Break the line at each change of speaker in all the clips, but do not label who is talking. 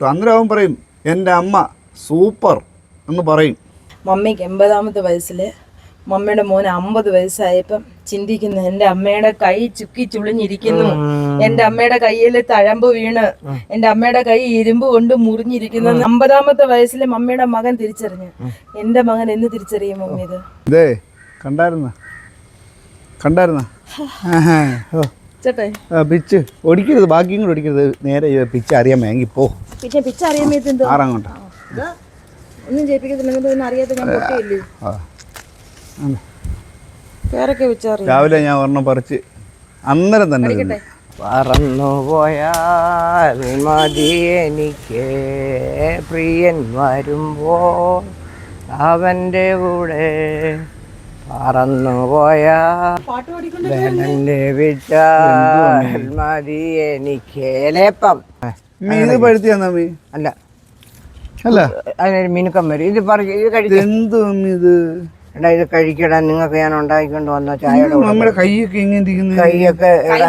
ബുദ്ധിമുട്ട്. അന്നേരം അവൻ പറയും എൻ്റെ അമ്മ സൂപ്പർ എന്ന് പറയും.
മമ്മിക്ക് 80ാമത്തെ വയസ്സിൽ മമ്മിയുടെ മോന് 50 വയസ്സായപ്പം ചിന്തിക്കുന്നു, എൻ്റെ അമ്മയുടെ കൈ ചുക്കി ചുളിഞ്ഞിരിക്കുന്നു, എൻ്റെ അമ്മയുടെ കയ്യിൽ തഴമ്പ് വീണ്, എൻ്റെ അമ്മയുടെ കൈ ഇരുമ്പ് കൊണ്ട് മുറിഞ്ഞിരിക്കുന്നു. 50ാമത്തെ വയസ്സിൽ മമ്മിയുടെ മകൻ തിരിച്ചറിഞ്ഞു. എൻ്റെ മകൻ എന്ന് തിരിച്ചറിയും മമ്മി ഇത്?
ഇതേ കണ്ടായിരുന്ന
ചേട്ടേ
പിച്ച് ഒടിക്കരുത്, ബാക്കിയും കൂടെ ഒടിക്കരുത്. നേരെ പിച്ച് അറിയാൻ വേണമെങ്കിൽ പോ.
പിന്നെ പിച്ച് അറിയാൻ വേണ്ടി
ആറാങ്ങോട്ട്
ഒന്നും ചെയ്യിപ്പിക്കത്തില്ല. അറിയാത്ത ഞാൻ പൊട്ടിയില്ലേ പേരൊക്കെ വെച്ചറിയാം.
രാവിലെ ഞാൻ ഒരെണ്ണം പറിച്ച് അന്നേരം തന്നെ
പറന്നു പോയാൽ മതി എനിക്ക് പ്രിയൻ വരുമ്പോൾ അവൻ്റെ കൂടെ പറന്നു പോയാൽ വിട്ടാൽ മതി എനിക്ക് ലേപ്പം.
മീൻ പഴുത്തിയാ മീ
അല്ല
അല്ല
അതിനൊരു മിനുക്കം വരും. ഇത് ഇത് കഴിക്കും.
എന്ത് ഇത്
എടാ ഇത് കഴിക്കടാ, നിങ്ങൾക്ക് ഞാൻ ഉണ്ടാക്കിക്കൊണ്ട് വന്ന ചായയുടെ
നമ്മുടെ കൈയൊക്കെ ഇങ്ങനെ ഇരിക്കുന്നു.
കൈയൊക്കെ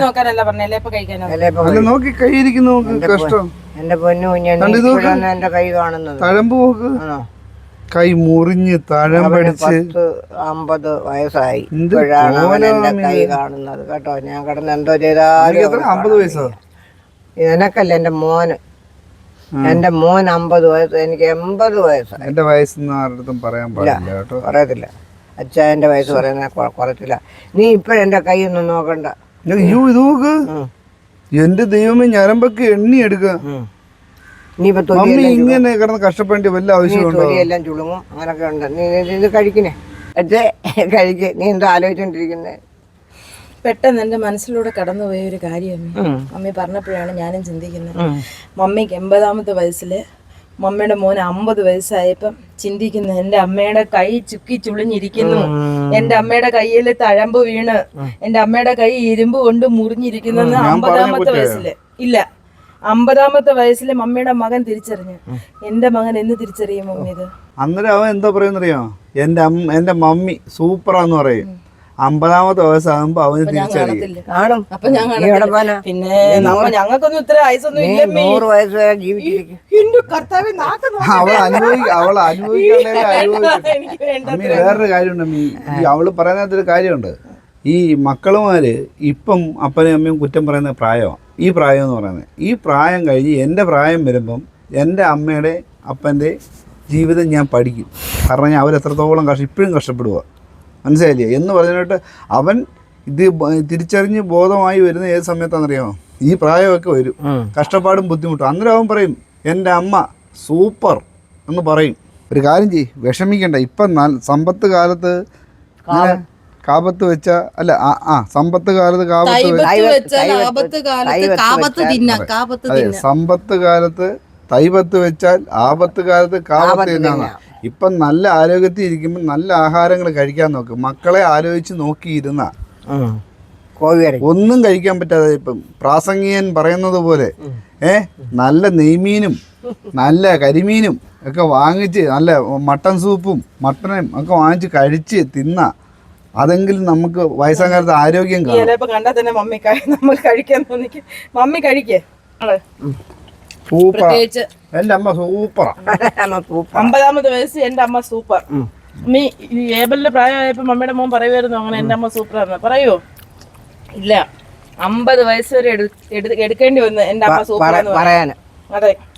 നോക്കി കൈ ഇരിക്കുന്നു. കഷ്ടം.
എന്റെ പൊന്നു കുഞ്ഞാണ് എന്റെ കൈ കാണുന്നത്.
തഴമ്പ് നോക്ക്. കൈ മുറിഞ്ഞ് തഴമ്പടിച്ച്
50 വയസ്സായി. ഇപ്പോഴാണ് അവൻ എന്റെ കൈ കാണുന്നത് കേട്ടോ. ഞാൻ കിടന്ന് എന്തോ ചെയ്താലും
50 വയസ്സോ?
എനക്കല്ല, എന്റെ മോന്. എന്റെ മോൻ 50 വയസ്സ്, എനിക്ക് 80 വയസ്സായി.
എന്റെ വയസ്സൊന്നും ആരുടെ പറയാൻ പാടില്ല കേട്ടോ.
പറയത്തില്ല. അച്ഛാ എന്റെ വയസ്സ് പറയുന്ന കുറച്ചില്ല. നീ ഇപ്പഴെന്റെ കൈ ഒന്നും നോക്കണ്ട.
അയ്യോ ഇത് നോക്ക്. എന്റെ ദൈവമേ, ഞരമ്പൊക്കെ എണ്ണി എടുക്ക. മമ്മി ഇങ്ങനെ കിടന്ന് കഷ്ടപ്പെടേണ്ട വല്ല ആവശ്യമുണ്ടോ?
എല്ലാം ചുളുങ്ങും, അങ്ങനൊക്കെ ഉണ്ട്. നീ ഇത് കഴിക്കണേ അച്ഛേ, കഴിക്ക്. നീ എന്താ ആലോചിച്ചോണ്ടിരിക്കുന്നേ?
പെട്ടെന്ന് എൻ്റെ മനസ്സിലൂടെ കടന്നുപോയ ഒരു കാര്യം മമ്മി പറഞ്ഞപ്പോഴാണ് ഞാനും ചിന്തിക്കുന്നത്. മമ്മിക്ക് 80ാമത്തെ വയസ്സിൽ മമ്മിയുടെ മോന് 50 വയസ്സായപ്പം ചിന്തിക്കുന്നു, എൻ്റെ അമ്മയുടെ കൈ ചുക്കി ചുളിഞ്ഞിരിക്കുന്നു, എൻ്റെ അമ്മയുടെ കയ്യിൽ തഴമ്പ് വീണ്, എൻ്റെ അമ്മയുടെ കൈ ഇരുമ്പ് കൊണ്ട് മുറിഞ്ഞിരിക്കുന്നു. 50ാമത്തെ വയസ്സിൽ ഇല്ല 50ാമത്തെ വയസ്സിൽ മമ്മിയുടെ മകൻ തിരിച്ചറിഞ്ഞു. എൻ്റെ മകൻ എന്ന് തിരിച്ചറിയും മമ്മി ഇത്?
അന്നേരം അവൻ എന്താ പറയുന്നറിയോ? എൻ്റെ മമ്മി സൂപ്പറാന്ന് പറയും. 50ാമത്തെ വയസ്സാകുമ്പോ അവന് തിരിച്ചറിയും.
പിന്നെ ഞങ്ങൾക്കൊന്നും ഇത്ര വയസ്സൊന്നും ഇല്ല.
100 വയസ്സ് വരെ ജീവിച്ചിരിക്കും.
അവൾ അനുഭവിക്കാനുള്ള അമ്മി. വേറൊരു കാര്യമുണ്ട് അമ്മി. അവള് പറയുന്നതിലൊരു കാര്യമുണ്ട്. ഈ മക്കളുമാര് ഇപ്പം അപ്പനെയും അമ്മയും കുറ്റം പറയുന്ന പ്രായമാണ് ഈ പ്രായം എന്ന് പറയുന്നത്. ഈ പ്രായം കഴിഞ്ഞ് എൻ്റെ പ്രായം വരുമ്പം എൻ്റെ അമ്മയുടെ അപ്പൻ്റെ ജീവിതം ഞാൻ പഠിക്കും. കാരണം ഞാൻ അവരെത്രത്തോളം ഇപ്പോഴും കഷ്ടപ്പെടുക, മനസ്സിലായില്ലേ എന്ന് പറഞ്ഞിട്ട് അവൻ ഇത് തിരിച്ചറിഞ്ഞ് ബോധമായി വരുന്ന ഏത് സമയത്താണെന്നറിയാമോ? ഈ പ്രായമൊക്കെ വരും, കഷ്ടപ്പാടും ബുദ്ധിമുട്ടും. അന്നേരം അവൻ പറയും എൻ്റെ അമ്മ സൂപ്പർ എന്ന് പറയും. ഒരു കാര്യം ചെയ്യ്, വിഷമിക്കണ്ട. ഇപ്പം സമ്പത്ത് കാലത്ത് കാപത്ത് വെച്ച അല്ല സമ്പത്ത് കാലത്ത് സമ്പത്ത് കാലത്ത് തൈപത്ത് വെച്ചാൽ ആപത്ത് കാലത്ത് കാപത്ത് എന്നാണ്. ഇപ്പം നല്ല ആരോഗ്യത്തിൽ ഇരിക്കുമ്പോൾ നല്ല ആഹാരങ്ങൾ കഴിക്കാൻ നോക്ക്. മക്കളെ ആലോചിച്ച് നോക്കിയിരുന്ന ഒന്നും കഴിക്കാൻ പറ്റാതെ ഇപ്പം പ്രാസംഗികൻ പറയുന്നത് പോലെ നല്ല നെയ്മീനും നല്ല കരിമീനും ഒക്കെ വാങ്ങിച്ച്, നല്ല മട്ടൻ സൂപ്പും മട്ടനും ഒക്കെ വാങ്ങിച്ച് കഴിച്ച് തിന്ന, അതെങ്കിലും നമുക്ക് വയസ്സാം കാലത്ത് ആരോഗ്യം കാണും.
കണ്ടാൽ തന്നെ മമ്മി കഴിക്കാൻ തോന്നിക്കും. മമ്മി കഴിക്കേ
സൂപ്പർ. എന്റെ അമ്മ സൂപ്പറാ.
50ാമത്തെ വയസ്സ് എന്റെ അമ്മ സൂപ്പർ. നീ ഏബലിന്റെ പ്രായമായപ്പോ മമ്മിയുടെ മോൻ പറയുമായിരുന്നു അങ്ങനെ എന്റെ അമ്മ സൂപ്പറാന്ന്. പറയോ? ഇല്ല, 50 വയസ്സ് വരെ എടുക്കേണ്ടി വന്നു എന്റെ അമ്മ സൂപ്പർ പറയാൻ. അതെ.